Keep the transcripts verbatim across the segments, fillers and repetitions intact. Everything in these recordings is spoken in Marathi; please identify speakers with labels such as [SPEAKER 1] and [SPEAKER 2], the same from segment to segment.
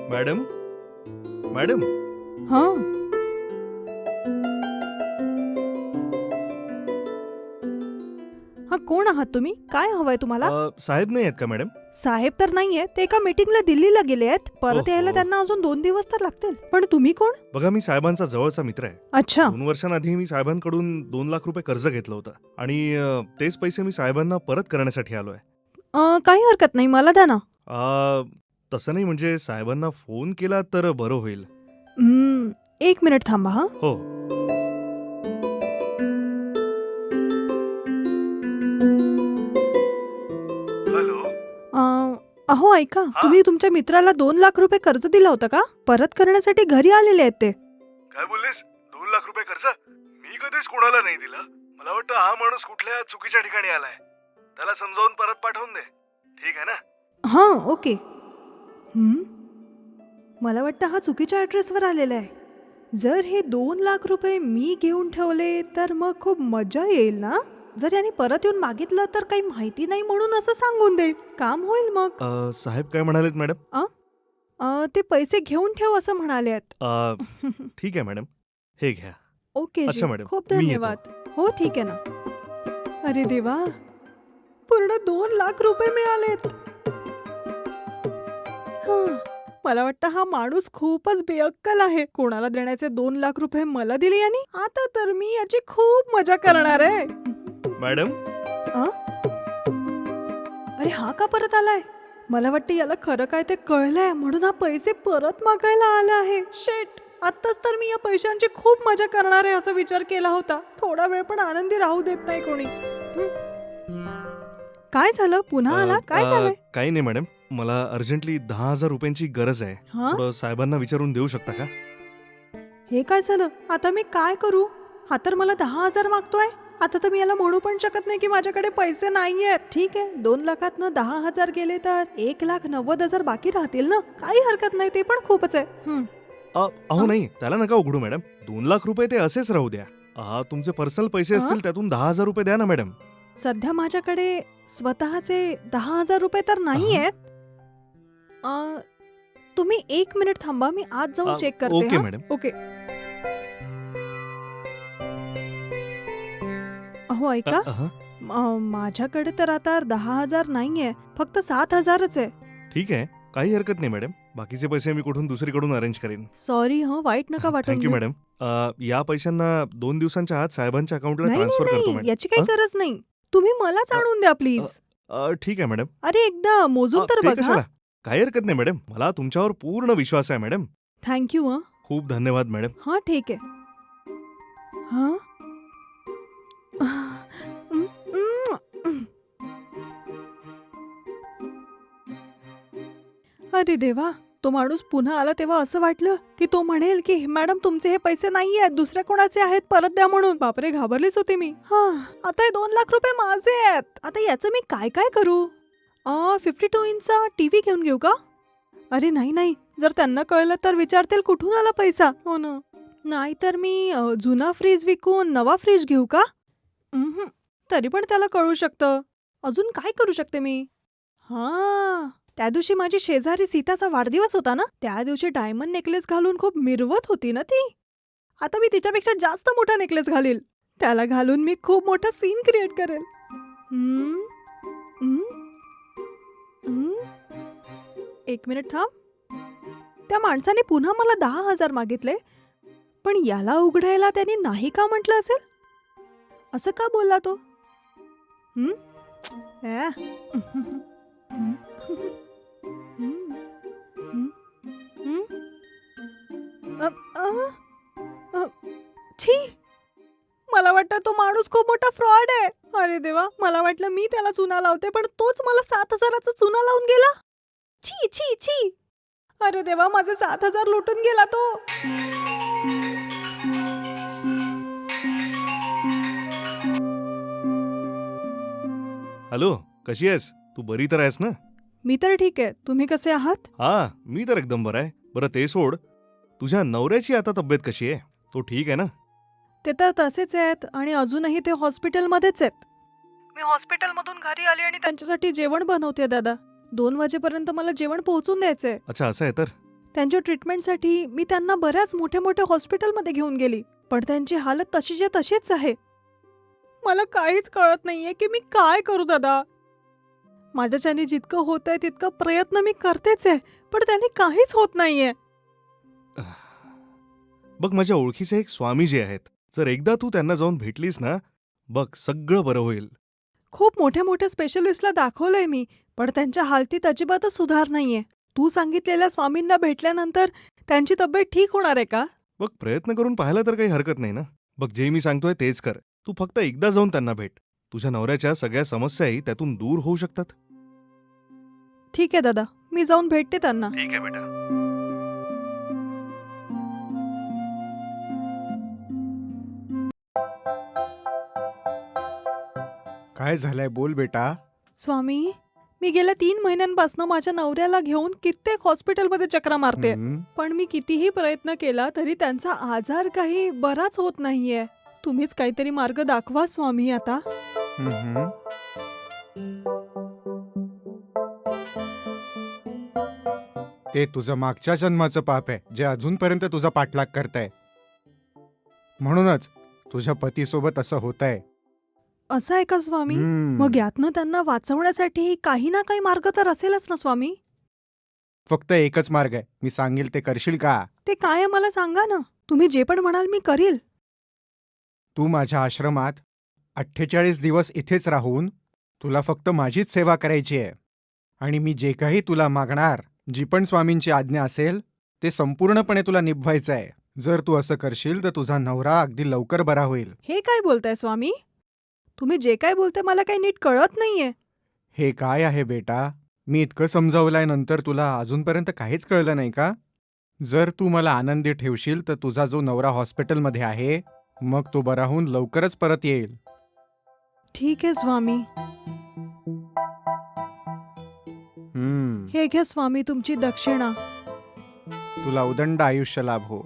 [SPEAKER 1] मॅडम मॅडम
[SPEAKER 2] हा हा कोण आहात तुम्ही? काय हवंय तुम्हाला?
[SPEAKER 1] अ, साहेब नाही आहेत का मॅडम?
[SPEAKER 2] साहेब तर नाहीये, ते एका मीटिंगला दिल्लीला गेले आहेत. परत
[SPEAKER 1] ओहो.
[SPEAKER 2] यायला त्यांना अजून दोन दिवस तर लागतील. पण तुम्ही कोण?
[SPEAKER 1] बघा, मी साहेबांचा जवळचा मित्र आहे.
[SPEAKER 2] अच्छा.
[SPEAKER 1] दोन वर्षांआधी मी साहेबांकडून दोन लाख रुपये कर्ज घेतलं होतं आणि अ, तेच पैसे मी साहेबांना परत करण्यासाठी आलोय.
[SPEAKER 2] अं, काही हरकत नाही, मला द्या ना.
[SPEAKER 1] अ, तसं नाही, म्हणजे साहेबांना फोन केला तर बरं होईल.
[SPEAKER 2] हम्म, एक मिनिट थांबा हा.
[SPEAKER 1] हो. हॅलो.
[SPEAKER 2] अं, अहो ऐका,
[SPEAKER 1] हा?
[SPEAKER 2] तुम्ही तुमच्या मित्राला दोन लाख रुपये कर्ज दिलं होतं का? परत करण्यासाठी घरी आलेले आहेत ते.
[SPEAKER 1] काय बोललेस? दोन लाख रुपये कर्ज? मी कधीच कोणाला नाही दिलं. मला वाटतं हा माणूस कुठल्या चुकीच्या ठिकाणी आलाय. त्याला समजावून परत पाठवून दे. ठीक आहे ना?
[SPEAKER 2] हा, ओके. हम्म, मला वाटतं हा चुकीच्या ॲड्रेसवर आलेला आहे. जर हे दोन लाख रुपये मी घेऊन ठेवले तर मग खूप मजा येईल ना. जर याने परत येऊन मागितलं तर काही माहिती नाही म्हणून असं सांगून देईल. काम होईल मग.
[SPEAKER 1] अ, साहेब काय म्हणालेत मॅडम?
[SPEAKER 2] अं, ते पैसे घेऊन ठेव असं म्हणाले आहेत.
[SPEAKER 1] अ, ठीक आहे मॅडम, हे घ्या.
[SPEAKER 2] ओके जी,
[SPEAKER 1] अच्छा मॅडम,
[SPEAKER 2] खूप
[SPEAKER 1] मी
[SPEAKER 2] धन्यवाद. हो ठीक आहे ना. अरे देवा, पूर्ण दोन लाख रुपये मिळालेत. हं, मला वाटतं हा माणूस खूपच बेअक्कल आहे. कोणाला देण्याचे दोन लाख रुपये मला दिले यांनी. आता तर मी याची खूप मजा करणार आहे.
[SPEAKER 1] मॅडम.
[SPEAKER 2] अं? अरे हा का परत आलाय? मला वाटतं याला खरं काय ते कळलंय म्हणून हा पैसे परत मागायला आला आहे. शेट, आत्ताच तर मी या पैशांची खूप मजा करणार आहे असा विचार केला होता. थोडा वेळ पण आनंदी राहू देत नाही कोणी. हं? काय झालं? पुन्हा आला? काय
[SPEAKER 1] अ,
[SPEAKER 2] झालंय?
[SPEAKER 1] काही नाही मॅडम, मला अर्जंटली दहा हजार रुपयांची गरज आहे.
[SPEAKER 2] हा,
[SPEAKER 1] थोडं साहेबांना विचारून देऊ शकता का?
[SPEAKER 2] हे काय झालं? आता मी काय करू? हा तर मला दहा हजार मागतोय. आता तर मी याला म्हणू पण शकत नाही की माझ्याकडे पैसे नाहीयेत. ठीक आहे, दोन लाखातनं दहा हजार गेले तर एक लाख नव्वद हजार बाकी राहतील ना. काही हरकत नाही, ते पण खूपच आहे. हं.
[SPEAKER 1] अ, अहो नाही, त्याला नका उघडू मॅडम. दोन लाख रुपये ते असेच राहू द्या. अ, तुमचे पर्सनल पैसे
[SPEAKER 2] अ?
[SPEAKER 1] असतील त्यातून दहा हजार रुपये द्या ना मॅडम.
[SPEAKER 2] सध्या माझ्याकडे स्वतःचे दहा हजार रुपये तर नाही आहेत. अं, तुम्ही एक मिनिट थांबा, मी आज जाऊन
[SPEAKER 1] अ,
[SPEAKER 2] चेक करते.
[SPEAKER 1] ओके
[SPEAKER 2] हा?
[SPEAKER 1] मॅडम.
[SPEAKER 2] ओके. अहो
[SPEAKER 1] अ,
[SPEAKER 2] ऐका,
[SPEAKER 1] अहं,
[SPEAKER 2] अं, माझ्याकडे तर आता दहा हजार नाहीये, फक्त सात हजारच आहे.
[SPEAKER 1] ठीक आहे, काही हरकत नाही मॅडम. बाकीचे पैसे मी कुठून दुसरीकडून अरेंज करेन.
[SPEAKER 2] सॉरी हं, वाईट नका वाटून
[SPEAKER 1] थँक्यू
[SPEAKER 2] घेऊ.
[SPEAKER 1] मॅडम. अ, या पैशांना दोन दिवसांच्या आत साहेबांच्या अकाउंटला
[SPEAKER 2] नाही नाही
[SPEAKER 1] ट्रान्सफर करतो
[SPEAKER 2] नाही,
[SPEAKER 1] मॅडम.
[SPEAKER 2] याची काही
[SPEAKER 1] अ?
[SPEAKER 2] गरज नाही. तुम्ही मलाच
[SPEAKER 1] अ,
[SPEAKER 2] आणून द्या
[SPEAKER 1] अ,
[SPEAKER 2] प्लीज.
[SPEAKER 1] अ, ठीक आहे मॅडम.
[SPEAKER 2] अरे एकदा मोजून
[SPEAKER 1] अ,
[SPEAKER 2] तर
[SPEAKER 1] ते
[SPEAKER 2] बघा.
[SPEAKER 1] कशाला? काही हरकत नाही मॅडम. मला तुमच्यावर पूर्ण विश्वास आहे मॅडम.
[SPEAKER 2] थँक्यू हं.
[SPEAKER 1] खूप धन्यवाद मॅडम.
[SPEAKER 2] हां ठीक आहे. हां? उम्म, उम्म. अरे देवा, तो माणूस पुन्हा आला तेव्हा असं वाटलं की तो म्हणेल की मॅडम तुमचे हे पैसे नाही आहेत, दुसऱ्या कोणाचे आहेत, परत द्या म्हणून. बापरे, घाबरलीच होती मी. हा, आता हे दोन लाख रुपये माझे आहेत. आता याचं मी काय काय करू? फिफ्टी टू इंचचा टीव्ही घेऊन घेऊ का? अरे नाही नाही, जर त्यांना कळलं तर विचारतील कुठून आला पैसा. हो ना. नाहीतर मी अ, जुना फ्रीज विकून नवा फ्रीज घेऊ का? उम्हम, तरी पण त्याला कळू शकतं. अजून काय करू शकते मी? हा, त्या दिवशी माझी शेजारी सीताचा वाढदिवस होता ना, त्या दिवशी डायमंड नेकलेस घालून खूप मिरवत होती ना ती. आता मी तिच्यापेक्षा जास्त मोठा नेकलेस घालील. त्याला घालून मी खूप मोठा सीन क्रिएट करेल. हम्म, हम्म, हम्म. एक मिनिट थांब. त्या माणसाने पुन्हा मला दहा हजार मागितले, पण याला उघडायला त्याने नाही का म्हटलं असेल? असं का बोलला तो? हम्म? ॲ. हम्म. हम्म. हम्म. हम्म. अ, अ, अ, छी, मला वाटतं तो माणूस खूप मोठा फ्रॉड आहे. अरे देवा, मला वाटलं मी त्याला चुना लावते, पण तोच मला सात हजाराचा चुना लावून गेला. छी छी छी. अरे देवा, माझे सात हजार लुटून गेला तो.
[SPEAKER 1] हॅलो, कशी आहेस? तू बरी तर आहेस ना?
[SPEAKER 2] मी तर ठीक आहे. तुम्ही कसे आहात?
[SPEAKER 1] हा, मी तर एकदम बरा आहे. बरं ते सोड, तुझ्या नवऱ्याची आता तब्येत कशी आहे? तो ठीक आहे ना?
[SPEAKER 2] ते तर तसेच आहेत आणि अजूनही ते हॉस्पिटलमध्येच आहेत. मी हॉस्पिटलमधून घरी आले आणि त्यांच्यासाठी जेवण बनवते दादा. दोन वाजेपर्यंत मला जेवण पोहोचून द्यायचंय.
[SPEAKER 1] अच्छा, असं आहे तर.
[SPEAKER 2] त्यांच्या ट्रीटमेंटसाठी मी त्यांना बऱ्याच मोठ्या मोठ्या हॉस्पिटलमध्ये घेऊन गेली, पण त्यांची हालत तशीच्या तशीच आहे. मला काहीच कळत नाहीये की मी काय करू दादा. माझ्याच्याने जितकं होतंय तितकं प्रयत्न मी करतेच आहे, पण त्याने काहीच होत नाहीये.
[SPEAKER 1] बघ, माझ्या ओळखीचे एक स्वामीजी आहेत. जर एकदा तू त्यांना जाऊन भेटलीस ना, बघ सगळं बरं होईल.
[SPEAKER 2] खूप मोठ्या मोठ्या स्पेशलिस्टला दाखवलंय मी, पण त्यांच्या हालतीत अजिबातच सुधार नाहीये. तू सांगितलेल्या स्वामींना भेटल्यानंतर त्यांची तब्येत ठीक होणार आहे का?
[SPEAKER 1] बघ, प्रयत्न करून पाहायला तर काही हरकत नाही ना. बघ, जे मी सांगतोय तेच कर. तू फक्त एकदा जाऊन त्यांना भेट. तुझ्या नवऱ्याच्या सगळ्या समस्याही त्यातून दूर होऊ शकतात.
[SPEAKER 2] ठीक आहे दादा, मी जाऊन भेटते त्यांना.
[SPEAKER 1] ठीक आहे बेटा.
[SPEAKER 3] काय झालंय बोल बेटा.
[SPEAKER 2] स्वामी, मी गेल्या तीन महिन्यांपासून माझ्या नवऱ्याला घेऊन कित्येक हॉस्पिटलमध्ये चक्रा मारते,
[SPEAKER 3] हम्म,
[SPEAKER 2] पण मी कितीही प्रयत्न केला तरी त्यांचा आजार काही बराच होत नाहीये. तुम्हीच काहीतरी मार्ग दाखवा स्वामी आता.
[SPEAKER 3] हम्म. ते तुझं मागच्या जन्माचं पाप आहे जे अजूनपर्यंत तुझा पाठलाग करतंय. म्हणूनच तुझ्या पतीसोबत असं होतंय.
[SPEAKER 2] असं आहे का स्वामी?
[SPEAKER 3] हम्म.
[SPEAKER 2] मग यातनं त्यांना वाचवण्यासाठी काही ना काही मार्ग तर असेलच ना स्वामी?
[SPEAKER 3] फक्त एकच मार्ग आहे. मी सांगेल ते करशील का?
[SPEAKER 2] ते काय आहे मला सांगा ना. तुम्ही जे पण म्हणाल मी करील.
[SPEAKER 3] तू माझ्या आश्रमात अठ्ठेचाळीस दिवस इथेच राहून तुला फक्त माझीच सेवा करायची आहे. आणि मी जे काही तुला मागणार, जी पण स्वामींची आज्ञा असेल, ते संपूर्णपणे तुला निभवायचं आहे. जर तू असं करशील तर तुझा नवरा अगदी लवकर बरा होईल.
[SPEAKER 2] हे काय बोलताय स्वामी? तुम्ही जे काय बोलताय मला काही नीट कळत नाहीये.
[SPEAKER 3] हे काय आहे बेटा? मी इतकं समजावलंय नंतर तुला अजूनपर्यंत काहीच कळलं नाही का? जर तू मला आनंदी ठेवशील तर तुझा जो नवरा हॉस्पिटलमध्ये आहे, मग तो बरा होऊन लवकरच परत येईल.
[SPEAKER 2] ठीक आहे स्वामी.
[SPEAKER 3] हम्म.
[SPEAKER 2] हे घ्या स्वामी तुमची दक्षिणा.
[SPEAKER 3] तुला उदंड आयुष्य लाभो.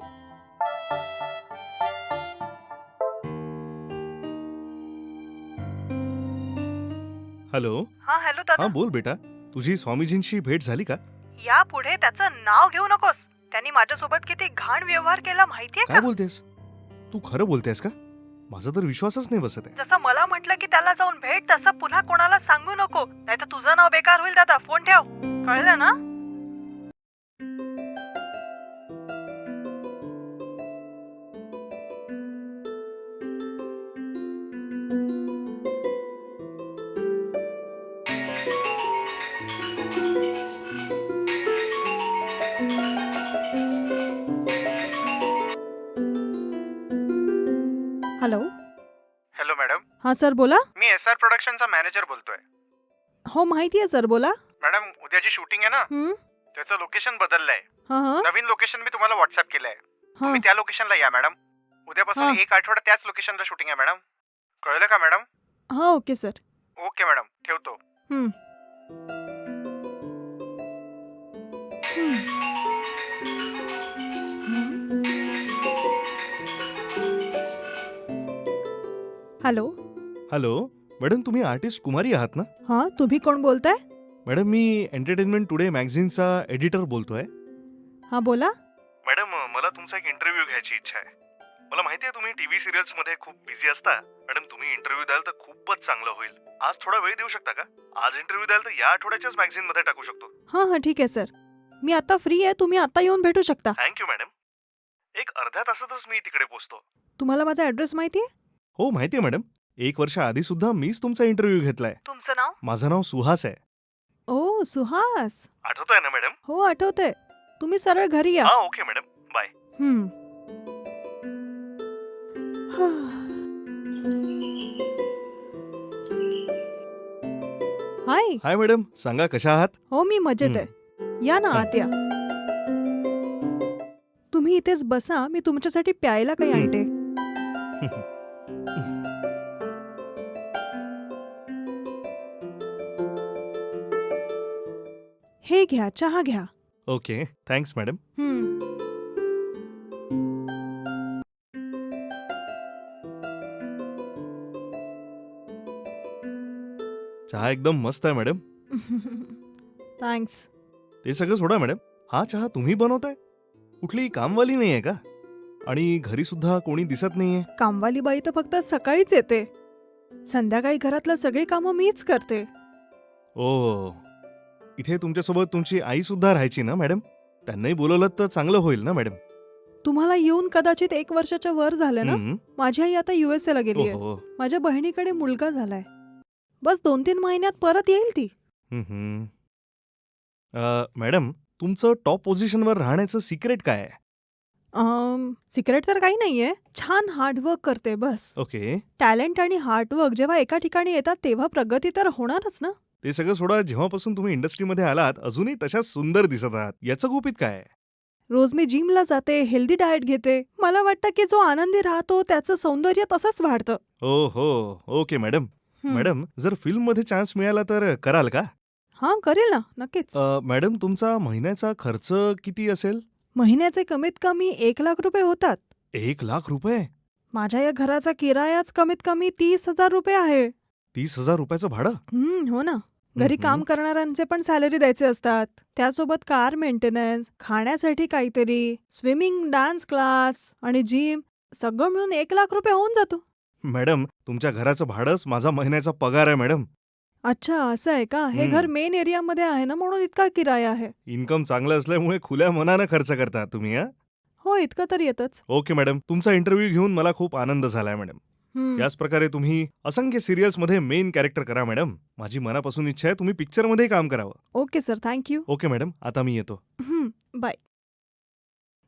[SPEAKER 1] हॅलो.
[SPEAKER 2] हा हॅलो
[SPEAKER 1] हा बोल बेटा. तुझी स्वामीजींशी भेट झाली का?
[SPEAKER 2] यापुढे त्याचं नाव घेऊ नकोस. त्यांनी माझ्यासोबत किती घाण व्यवहार केला माहितीये
[SPEAKER 1] काय बोलतेस? तू खरं बोलतेस का? माझा तर विश्वासच नाही बसत आहे.
[SPEAKER 2] जसं मला म्हटलं की त्याला जाऊन भेट, तसं पुन्हा कोणाला सांगू नको, नाहीतर तुझं नाव बेकार होईल दादा. फोन ठेव, कळलं ना? हॅलो.
[SPEAKER 3] Hello madam.
[SPEAKER 2] हा सर बोला.
[SPEAKER 3] मी एस आर प्रोडक्शनचा मॅनेजर बोलतोय.
[SPEAKER 2] हो माहिती आहे सर, बोला.
[SPEAKER 3] मॅडम, उद्याची शूटिंग आहे ना,
[SPEAKER 2] हं?
[SPEAKER 3] त्याचं लोकेशन बदललंय.
[SPEAKER 2] हा हा
[SPEAKER 3] नवीन लोकेशन मी तुम्हाला व्हॉट्सअप केलंय.
[SPEAKER 2] हा.
[SPEAKER 3] तुम्ही त्या लोकेशनला या मॅडम. उद्यापासून
[SPEAKER 2] हा.
[SPEAKER 3] एक आठवडा त्याच लोकेशनला शूटिंग आहे मॅडम. कळलं का मॅडम?
[SPEAKER 2] हा ओके सर.
[SPEAKER 3] ओके मॅडम, ठेवतो.
[SPEAKER 2] हं. हं. हॅलो.
[SPEAKER 1] हॅलो मॅडम, तुम्ही आर्टिस्ट कुमारी आहात ना?
[SPEAKER 2] हा, तुम्ही कोण बोलताय?
[SPEAKER 1] मॅडम, मी एंटरटेनमेंट टुडे मॅगझिनचा एडिटर बोलतोय.
[SPEAKER 2] हा बोला.
[SPEAKER 1] मॅडम, मला तुमचा एक इंटरव्ह्यू घ्यायची इच्छा आहे. मला माहिती आहे तुम्ही टीव्ही सिरियल्स मध्ये खूप बिझी असता. मॅडम, तुम्ही इंटरव्ह्यू द्याल तर खूपच चांगलं होईल. आज थोडा वेळ देऊ शकता का? आज इंटरव्ह्यू द्याल तर या आठवड्याच्याच मॅगझिन मध्ये टाकू शकतो.
[SPEAKER 2] हा हा ठीक आहे सर. मी आता फ्री आहे, तुम्ही आता येऊन भेटू शकता.
[SPEAKER 1] Thank you madam. एक अर्ध्या तासातच मी तिकडे पोहोचतो.
[SPEAKER 2] तुम्हाला माझा ऍड्रेस माहिती आहे?
[SPEAKER 1] हो माहिती आहे मॅडम. एक वर्ष आधी सुद्धा मीच तुमचा इंटरव्ह्यू घेतलाय.
[SPEAKER 2] तुमचं नाव?
[SPEAKER 1] माझं नाव सुहास आहे.
[SPEAKER 2] ओ सुहास.
[SPEAKER 1] आठवतोय ना मॅडम?
[SPEAKER 2] हो आठवतंय. तुम्ही सरळ घरी या.
[SPEAKER 1] हा ओके मॅडम, बाय.
[SPEAKER 2] हं. हाय.
[SPEAKER 1] हाय मॅडम, सांगा कशा आहात?
[SPEAKER 2] हो मी मजेत आहे. या ना आत या. तुम्ही इथेच बसा, मी तुमच्यासाठी प्यायला काही
[SPEAKER 1] हं.
[SPEAKER 2] आणते. हे घ्या, चहा घ्या.
[SPEAKER 1] Okay, thanks madam.
[SPEAKER 2] हं.
[SPEAKER 1] चहा एकदम मस्त आहे मॅडम.
[SPEAKER 2] थँक्स.
[SPEAKER 1] ते सगळं सोडा मॅडम. हा चहा तुम्ही बनवताय? कुठली कामवाली नाहीये का? आणि घरी सुद्धा कोणी दिसत नाहीये.
[SPEAKER 2] कामवाली बाई तर फक्त सकाळीच येते. संध्याकाळी घरातलं सगळी कामं मीच करते.
[SPEAKER 1] ओ, इथे तुमच्यासोबत तुमची आई सुद्धा राहायची ना मॅडम? त्यांनाही बोलवलं तर चांगलं होईल ना मॅडम?
[SPEAKER 2] तुम्हाला येऊन कदाचित एक वर्षाच्या वर झालं ना.
[SPEAKER 1] हम्म.
[SPEAKER 2] माझी आई आता युएसए ला गेली आहे.
[SPEAKER 1] ओहो.
[SPEAKER 2] माझ्या बहिणीकडे मुलगा झालाय. बस दोन तीन महिन्यात परत येईल ती.
[SPEAKER 1] हम्म. अ, मॅडम, तुमचं टॉप पोझिशनवर राहण्याचं सिक्रेट काय आहे?
[SPEAKER 2] सिक्रेट तर काही नाहीये. छान हार्डवर्क करते बस.
[SPEAKER 1] ओके.
[SPEAKER 2] टॅलेंट आणि हार्डवर्क जेव्हा एका ठिकाणी येतात तेव्हा प्रगती तर होणारच ना.
[SPEAKER 1] ते सगळं सोडा, जेव्हापासून तुम्ही इंडस्ट्रीमध्ये आलात अजूनही तशाच सुंदर दिसत आहात. याचं गुपित काय आहे?
[SPEAKER 2] रोज मी जिमला जाते, हेल्दी डाएट घेते. मला वाटतं की जो आनंदी राहतो त्याचं सौंदर्य तसंच वाढतं.
[SPEAKER 1] ओ हो, ओके मॅडम.
[SPEAKER 2] हं.
[SPEAKER 1] मॅडम, जर फिल्ममध्ये चान्स मिळाला तर कराल का?
[SPEAKER 2] हां, करेल ना, नक्कीच.
[SPEAKER 1] अ, मॅडम, तुमचा महिन्याचा खर्च किती असेल?
[SPEAKER 2] महिन्याचे कमीत कमी एक लाख रुपये होतात.
[SPEAKER 1] एक लाख रुपये?
[SPEAKER 2] माझ्या या घराचा किरायाच कमीत कमी तीस हजार रुपये आहे.
[SPEAKER 1] तीस हजार रुपयाचं भाडं?
[SPEAKER 2] हं, हो ना. घरी
[SPEAKER 1] हम्म.
[SPEAKER 2] काम करणाऱ्यांचे पण सॅलरी द्यायचे असतात. त्यासोबत कार मेंटेनन्स, खाण्यासाठी काहीतरी, स्विमिंग, डान्स क्लास आणि जिम सगळं मिळून एक लाख रुपये होऊन जातो.
[SPEAKER 1] मॅडम, तुमच्या घराचं भाडंच माझा महिन्याचा पगार आहे मॅडम.
[SPEAKER 2] अच्छा, असं आहे का? हे
[SPEAKER 1] हं.
[SPEAKER 2] घर मेन एरियामध्ये आहे ना, म्हणून इतका किराया आहे.
[SPEAKER 1] इन्कम चांगलं असल्यामुळे खुल्या मनानं खर्च करता तुम्ही, हा?
[SPEAKER 2] हो, इतकं तर येतच.
[SPEAKER 1] ओके मॅडम, तुमचा इंटरव्ह्यू घेऊन मला खूप आनंद झालाय मॅडम.
[SPEAKER 2] हं.
[SPEAKER 1] याच प्रकारे तुम्ही असंख्य सिरियल्समध्ये मेन कॅरेक्टर करा मॅडम. माझी मनापासून इच्छा आहे तुम्ही पिक्चरमध्येही काम करावं.
[SPEAKER 2] Okay sir, thank you.
[SPEAKER 1] Okay madam, आता मी येतो.
[SPEAKER 2] हं, बाय.